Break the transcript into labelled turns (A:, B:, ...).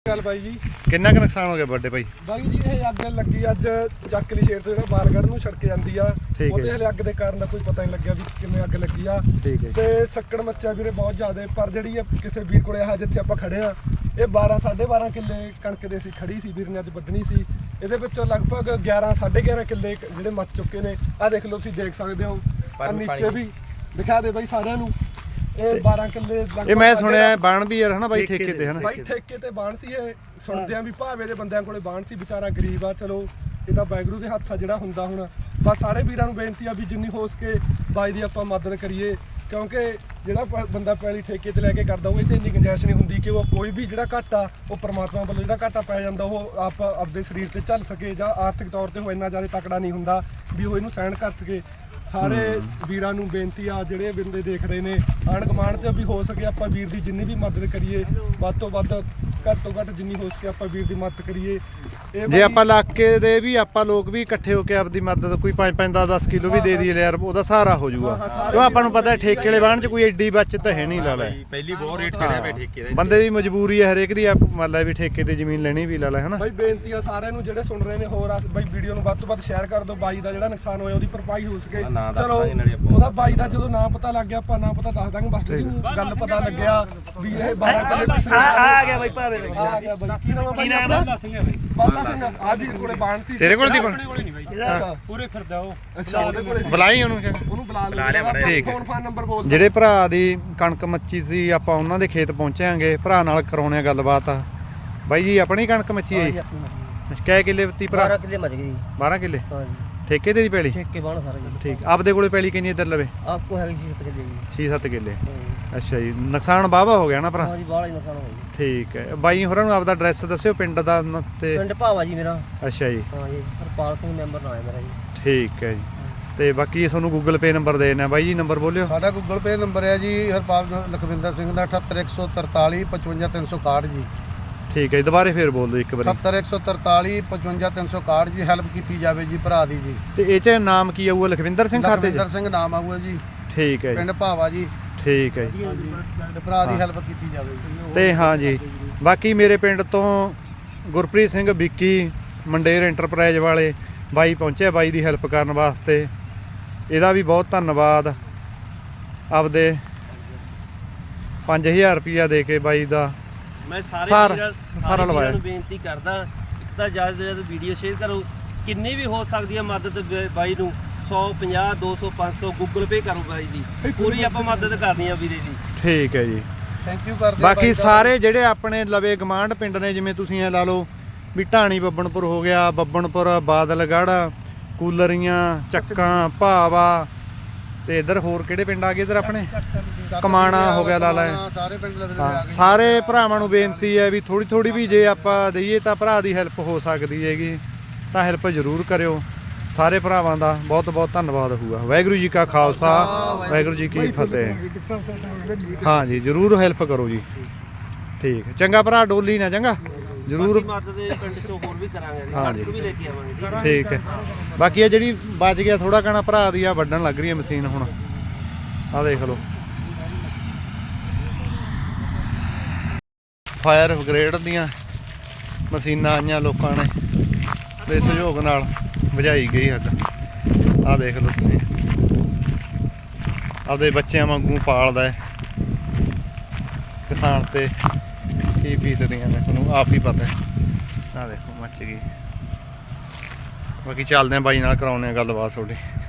A: ਗੱਲ ਬਾਈ ਜੀ
B: ਕਿੰਨਾ ਕੁ ਨੁਕਸਾਨ ਹੋ ਗਿਆ ਵੱਡੇ ਭਾਈ?
A: ਬਾਈ ਜੀ ਇਹ ਅੱਗ ਲੱਗੀ ਅੱਜ ਚੱਕਲੀ ਸ਼ੇਰ ਤੋਂ ਜਿਹੜਾ ਬਾਲਗੜ੍ਹ ਨੂੰ ਛੜਕੇ ਜਾਂਦੀ ਆ ਉਹਦੇ ਹਲੇ ਅੱਗ ਦੇ ਕਾਰਨ ਦਾ ਕੋਈ ਪਤਾ ਨਹੀਂ ਲੱਗਿਆ ਵੀ ਕਿਵੇਂ ਅੱਗ ਲੱਗੀ ਆ। ਤੇ ਸੱਕੜ ਮੱਚਿਆ ਵੀਰੇ ਬਹੁਤ ਜ਼ਿਆਦਾ, ਪਰ ਜਿਹੜੀ ਕਿਸੇ ਵੀਰ ਕੋਲੇ ਆ ਜਿੱਥੇ ਆਪਾਂ ਖੜੇ ਆ ਇਹ 12.5 ਕਿੱਲੇ ਕਣਕ ਦੇ ਸੀ, ਖੜੀ ਸੀ ਵੀਰ ਨੇ ਅੱਜ ਵੱਢਣੀ ਸੀ। ਇਹਦੇ ਵਿੱਚੋਂ ਲਗਭਗ 11.5 ਕਿੱਲੇ ਜਿਹੜੇ ਮੱਚ ਚੁੱਕੇ ਨੇ। ਆ ਦੇਖ ਲਓ, ਤੁਸੀਂ ਦੇਖ ਸਕਦੇ ਹੋ ਨੀਚੇ ਵੀ ਦਿਖਾ ਦੇ ਬਾਈ ਸਾਰਿਆਂ ਨੂੰ। ਇਹ 12 ਕਿੱਲੇ
B: ਇਹ ਮੈਂ ਸੁਣਿਆ ਬਾਣ ਵੀ ਯਾਰ ਹਨਾ ਬਾਈ ਠੇਕੇ ਤੇ ਹਨਾ
A: ਬਾਈ ਠੇਕੇ ਤੇ ਬਾਣ ਸੀ। ਇਹ ਸੁਣਦੇ ਆ ਵੀ ਭਾਵੇਂ ਦੇ ਬੰਦਿਆਂ ਕੋਲੇ ਬਾਣ ਸੀ, ਵਿਚਾਰਾ ਗਰੀਬ ਆ, ਚਲੋ ਇਹਦਾ ਵਾਹਿਗੁਰੂ ਦੇ ਹੱਥ ਆ ਜਿਹੜਾ ਹੁੰਦਾ। ਹੁਣ ਬਸ ਸਾਰੇ ਵੀਰਾਂ ਨੂੰ ਬੇਨਤੀ ਆ ਵੀ ਜਿੰਨੀ ਹੋ ਸਕੇ ਬਾਈ ਦੀ ਆਪਾਂ ਮਦਦ ਕਰੀਏ, ਕਿਉਂਕਿ ਜਿਹੜਾ ਬੰਦਾ ਪੈਲੀ ਠੇਕੇ ਤੇ ਲੈ ਕੇ ਕਰਦਾ ਉਹ ਇਹ 'ਚ ਇੰਨੀ ਗੁੰਜਾਇਸ਼ ਨਹੀਂ ਹੁੰਦੀ ਕਿ ਉਹ ਕੋਈ ਵੀ ਜਿਹੜਾ ਘਾਟਾ ਉਹ ਪਰਮਾਤਮਾ ਵੱਲੋਂ ਜਿਹੜਾ ਘਾਟਾ ਪੈ ਜਾਂਦਾ ਉਹ ਆਪਦੇ ਸਰੀਰ ਤੇ ਝੱਲ ਸਕੇ, ਜਾਂ ਆਰਥਿਕ ਤੌਰ ਤੇ ਉਹ ਇੰਨਾ ਜ਼ਿਆਦਾ ਤਕੜਾ ਨਹੀਂ ਹੁੰਦਾ ਵੀ ਉਹ ਇਹਨੂੰ ਸਹਿਣ ਕਰ ਸਕੇ। ਸਾਰੇ ਵੀਰਾਂ ਨੂੰ ਬੇਨਤੀ ਆ ਜਿਹੜੇ ਬੰਦੇ ਦੇਖ ਰਹੇ ਨੇ ਆਂਢ ਗੁਆਂਢ 'ਚ ਵੀ ਹੋ ਸਕੇ ਆਪਾਂ ਵੀਰ ਦੀ ਜਿੰਨੀ ਵੀ ਮਦਦ ਕਰੀਏ, ਵੱਧ ਤੋਂ ਵੱਧ ਘੱਟ ਤੋਂ ਘੱਟ ਜਿੰਨੀ ਹੋ ਸਕੇ ਆਪਾਂ ਵੀਰ ਦੀ ਮਦਦ ਕਰੀਏ।
B: ਜੇ ਆਪਾਂ ਇਲਾਕੇ ਦੇ ਵੀ ਆਪਾਂ ਲੋਕ ਵੀ ਇਕੱਠੇ ਹੋ ਕੇ ਆਪਦੀ ਮਦਦ ਕੋਈ 5-5 10 ਕਿਲੋ ਵੀ ਦੇ ਦਈਏ ਯਾਰ ਉਹਦਾ ਸਹਾਰਾ ਹੋ ਜਾਊਗਾ। ਕਿਉਂ ਆਪਾਂ ਨੂੰ ਪਤਾ ਠੇਕੇ ਵਾਲੇ ਬਾਣ 'ਚ ਕੋਈ ਐਡੀ ਬਚਤ ਹੈ ਨਹੀਂ। ਲਾ ਲੈ
C: ਪਹਿਲੀ ਬਹੁਤ ਰੇਟ ਚੜਿਆ ਪਿਆ ਠੇਕੇ ਦਾ,
B: ਬੰਦੇ ਦੀ ਮਜਬੂਰੀ ਹੈ ਹਰੇਕ ਦੀ, ਮੰਨ ਲੈ ਵੀ ਠੇਕੇ ਤੇ ਜ਼ਮੀਨ ਲੈਣੀ ਵੀ ਲਾ ਲੈ ਹਨਾ।
A: ਬਾਈ ਬੇਨਤੀ ਆ ਸਾਰਿਆਂ ਨੂੰ ਜਿਹੜੇ ਸੁਣ ਰਹੇ ਨੇ, ਹੋਰ ਬਾਈ ਵੀਡੀਓ ਨੂੰ ਵੱਧ ਤੋਂ ਵੱਧ ਸ਼ੇਅਰ ਕਰ ਦਿਓ। ਬਾਈ ਦਾ ਜਿਹੜਾ ਨੁਕਸਾਨ ਹੋਇਆ ਉਹਦੀ ਭਰਪਾਈ ਹੋ ਸਕੇ। ਚਲੋ ਉਹਦਾ ਬਾਈ ਦਾ ਜਦੋਂ ਨਾਂ ਪਤਾ ਲੱਗ ਗਿਆ ਆਪਾਂ ਨਾਂ ਪਤਾ ਦੱਸ ਦਾਂਗੇ, ਬਸ ਗੱਲ ਪਤਾ ਲੱਗਿਆ ਵੀ ਇਹ 12 ਕਿੱਲੇ ਪਿਛਲੇ
C: ਆ ਗਿਆ ਬਾਈ ਭਾਵੇਂ
A: ਆ ਗਿਆ ਬਾਈ। ਕੀ ਨਾਮ ਹੈ? ਸਿੰਘ ਆ ਵੀਰ ਕੋਲੇ ਬਾਣ ਸੀ।
B: ਤੇਰੇ ਕੋਲ ਦੀ ਬਣ
A: ਪੂਰੇ ਫਿਰਦਾ ਉਹ। ਅੱਛਾ ਉਹਦੇ ਕੋਲੇ
B: ਬੁਲਾਈ ਉਹਨੂੰ
A: ਬੁਲਾ ਲਿਆ।
B: ਠੀਕ ਹੈ।
A: ਫੋਨ ਨੰਬਰ ਬੋਲ
B: ਜਿਹੜੇ ਭਰਾ ਦੀ ਕਣਕ ਮੱਚੀ ਸੀ ਆਪਾਂ ਉਹਨਾਂ ਦੇ ਖੇਤ ਪਹੁੰਚਾਂਗੇ, ਭਰਾ ਨਾਲ ਕਰਾਉਣੇ ਆ ਗੱਲਬਾਤ। ਬਾਈ ਜੀ ਆਪਣੀ ਕਣਕ ਮੱਚੀ ਹੈ ਜੀ? ਕਿੰਨੇ ਕਿੱਲੇ ਬੱਤੀ ਭਰਾ?
D: 12 ਕਿੱਲੇ ਮੱਚ ਗਈ।
B: 12 ਕਿੱਲੇ
D: ਹਾਂਜੀ
B: ਠੇਕੇ ਤੇ ਦੀ ਪੈਲੀ?
D: ਠੇਕੇ ਬਾਣ ਸਾਰਾ ਜੀ।
B: ਠੀਕ। ਆਪਦੇ ਕੋਲੇ ਪੈਲੀ ਕਿੰਨੀ ਇੱਧਰ ਲਵੇ?
D: ਆਪਕੋ ਹੈਗੀ 6-7 ਕਿੱਲੇ ਜੀ।
B: 6-7 ਕਿੱਲੇ। ਅੱਛਾ ਜੀ, ਨੁਕਸਾਨ ਵਾਹਵਾ ਹੋ ਗਿਆ ਨਾ ਭਰਾ?
D: ਹਾਂਜੀ ਬਾਹਲਾ ਹੀ ਨੁਕਸਾਨ ਹੋ ਗਿਆ।
B: ਠੀਕ ਹੈ। ਬਾਈ ਹੋਰਾਂ ਨੂੰ ਆਪਦਾ ਐਡਰੈਸ ਦੱਸਿਓ ਪਿੰਡ ਦਾ ਤੇ।
D: ਪਿੰਡ ਭਾਵਾ ਜੀ ਮੇਰਾ।
B: ਅੱਛਾ ਜੀ।
D: ਹਾਂ ਜੀ, ਹਰਪਾਲ ਸਿੰਘ ਮੈਂਬਰ ਨਾਮ ਹੈ ਮੇਰਾ ਜੀ।
B: ਠੀਕ ਹੈ ਜੀ। ਤੇ ਬਾਕੀ ਤੁਹਾਨੂੰ ਗੂਗਲ ਪੇ ਨੰਬਰ ਦੇ ਦੇਣਾ ਬਾਈ ਜੀ, ਨੰਬਰ ਬੋਲਿਓ।
E: ਸਾਡਾ ਗੂਗਲ ਪੇ ਨੰਬਰ ਹੈ ਜੀ ਹਰਪਾਲ ਲਖਵਿੰਦਰ ਸਿੰਘ ਦਾ 78143 55361 ਜੀ।
B: ਠੀਕ ਹੈ ਜੀ, ਦੁਬਾਰੇ ਫੇਰ ਬੋਲ ਦਿਓ ਇੱਕ ਵਾਰੀ।
E: 78143 55361 ਜੀ। ਹੈਲਪ ਕੀਤੀ ਜਾਵੇ ਜੀ ਭਰਾ ਦੀ ਜੀ।
B: ਤੇ ਇਹ 'ਚ ਨਾਮ ਕੀ ਆਊਗਾ? ਲਖਵਿੰਦਰ ਸਿੰਘ ਖਾਤੇ 'ਚ?
E: ਲਖਵਿੰਦਰ ਸਿੰਘ ਨਾਮ ਆਊਗਾ ਜੀ।
B: ਠੀਕ ਹੈ ਜੀ।
E: ਪਿੰਡ ਭਾਵਾ ਜੀ।
B: ਠੀਕ ਹੈ ਜੀ।
E: ਤੇ ਭਰਾ ਦੀ ਹੈਲਪ ਕੀਤੀ ਜਾਵੇ ਜੀ।
B: ਤੇ ਹਾਂ ਜੀ, ਬਾਕੀ ਮੇਰੇ ਪਿੰਡ ਤੋਂ ਗੁਰਪ੍ਰੀਤ ਸਿੰਘ ਵਿੱਕੀ ਮੰਡੇਰ ਐਂਟਰਪ੍ਰਾਈਜ਼ ਵਾਲੇ ਬਾਈ ਪਹੁੰਚੇ ਬਾਈ ਦੀ ਹੈਲਪ ਕਰਨ ਵਾਸਤੇ। ਇਹਦਾ ਵੀ ਬਹੁਤ ਧੰਨਵਾਦ। ਆਪਦੇ 5000 ਰੁਪਇਆ ਦੇ ਕੇ ਬਾਈ ਦਾ
D: ਮੈਂ
B: ਸਾਰਾ
D: ਵੀਰਾਂ ਨੂੰ ਬੇਨਤੀ ਕਰਦਾ, ਇੱਕ ਤਾਂ ਜ਼ਿਆਦਾ ਤੋਂ ਜ਼ਿਆਦਾ ਵੀਡੀਓ ਸ਼ੇਅਰ ਕਰੋ, ਕਿੰਨੀ ਵੀ ਹੋ ਸਕਦੀ ਹੈ ਮਦਦ ਬਾਈ ਨੂੰ 100 50 200 500 ਗੂਗਲ ਪੇ ਕਰੋ ਬਾਈ ਦੀ, ਪੂਰੀ ਆਪਾਂ ਮਦਦ ਕਰਨੀ ਆ ਵੀਰੇ ਦੀ।
B: ਠੀਕ ਹੈ ਜੀ।
E: ਥੈਂਕ ਯੂ ਕਰਦੇ।
B: ਬਾਕੀ ਸਾਰੇ ਜਿਹੜੇ ਆਪਣੇ ਲਵੇ ਗਮਾਂਡ ਪਿੰਡ ਨੇ, ਜਿਵੇਂ ਤੁਸੀਂ ਇਹ ਲਾ ਲਓ ਵੀ ਢਾਣੀ ਬੱਬਣਪੁਰ ਹੋ ਗਿਆ, ਬੱਬਣਪੁਰ ਬਾਦਲਗੜ੍ਹ, ਕੂਲਰੀਆਂ, ਚੱਕਾਂ, ਭਾਵਾ, ਤੇ ਇੱਧਰ ਹੋਰ ਕਿਹੜੇ ਪਿੰਡ ਆ ਗਏ ਇੱਧਰ ਆਪਣੇ? ਕਮਾਣਾ ਹੋ ਗਿਆ ਲਾ ਲੈ।
E: ਸਾਰੇ ਪਿੰਡ
B: ਹਾਂ, ਸਾਰੇ ਭਰਾਵਾਂ ਨੂੰ ਬੇਨਤੀ ਹੈ ਵੀ ਥੋੜੀ ਥੋੜੀ ਵੀ ਜੇ ਆਪਾਂ ਦਈਏ ਤਾਂ ਭਰਾ ਦੀ ਹੈਲਪ ਹੋ ਸਕਦੀ ਹੈਗੀ, ਤਾਂ ਹੈਲਪ ਜ਼ਰੂਰ ਕਰਿਓ। ਸਾਰੇ ਭਰਾਵਾਂ ਦਾ ਬਹੁਤ ਬਹੁਤ ਧੰਨਵਾਦ ਹੋਊਗਾ। ਵਾਹਿਗੁਰੂ ਜੀ ਕਾ ਖਾਲਸਾ, ਵਾਹਿਗੁਰੂ ਜੀ ਕੀ ਫਤਿਹ। ਹਾਂ ਜੀ, ਜ਼ਰੂਰ ਹੈਲਪ ਕਰੋ ਜੀ। ਠੀਕ ਹੈ, ਚੰਗਾ ਭਰਾ, ਡੋਲੀ ਨਾ ਚੰਗਾ ਜ਼ਰੂਰ।
D: ਮਦਦ ਪਿੰਡ ਚੋਂ ਹੋਰ ਵੀ ਕਰਾਂਗੇ,
B: ਹਾਂ ਜੀ,
D: ਵੀ ਲੈ ਕੇ ਆਵਾਂਗੇ।
B: ਠੀਕ ਹੈ। ਬਾਕੀ ਇਹ ਜਿਹੜੀ ਬਚ ਗਿਆ ਥੋੜਾ ਕਣਾ ਭਰਾ ਦੀ ਆ ਵੱਢਣ ਲੱਗ ਰਹੀ ਹੈ ਮਸ਼ੀਨ ਹੁਣ। ਆਹ ਦੇਖ ਲਓ, ਫਾਇਰ ਬ੍ਰਿਗੇਡ ਦੀਆਂ ਮਸ਼ੀਨਾਂ ਆਈਆਂ, ਲੋਕਾਂ ਨੇ ਦੇ ਸਹਿਯੋਗ ਨਾਲ ਬੁਝਾਈ ਗਈ ਅੱਗ। ਆਹ ਦੇਖ ਲਓ ਤੁਸੀਂ, ਆਪਦੇ ਬੱਚਿਆਂ ਵਾਂਗੂ ਪਾਲਦਾ ਹੈ ਕਿਸਾਨ, ਤੇ ਕੀ ਬੀਤਦੀਆਂ ਨੇ ਤੁਹਾਨੂੰ ਆਪ ਹੀ ਪਤਾ ਹੈ। ਆਹ ਦੇਖੋ ਮੱਚ ਗਈ। ਬਾਕੀ ਚੱਲਦੇ ਆ ਬਾਈ ਨਾਲ, ਕਰਾਉਂਦੇ ਆ ਗੱਲਬਾਤ ਤੁਹਾਡੀ।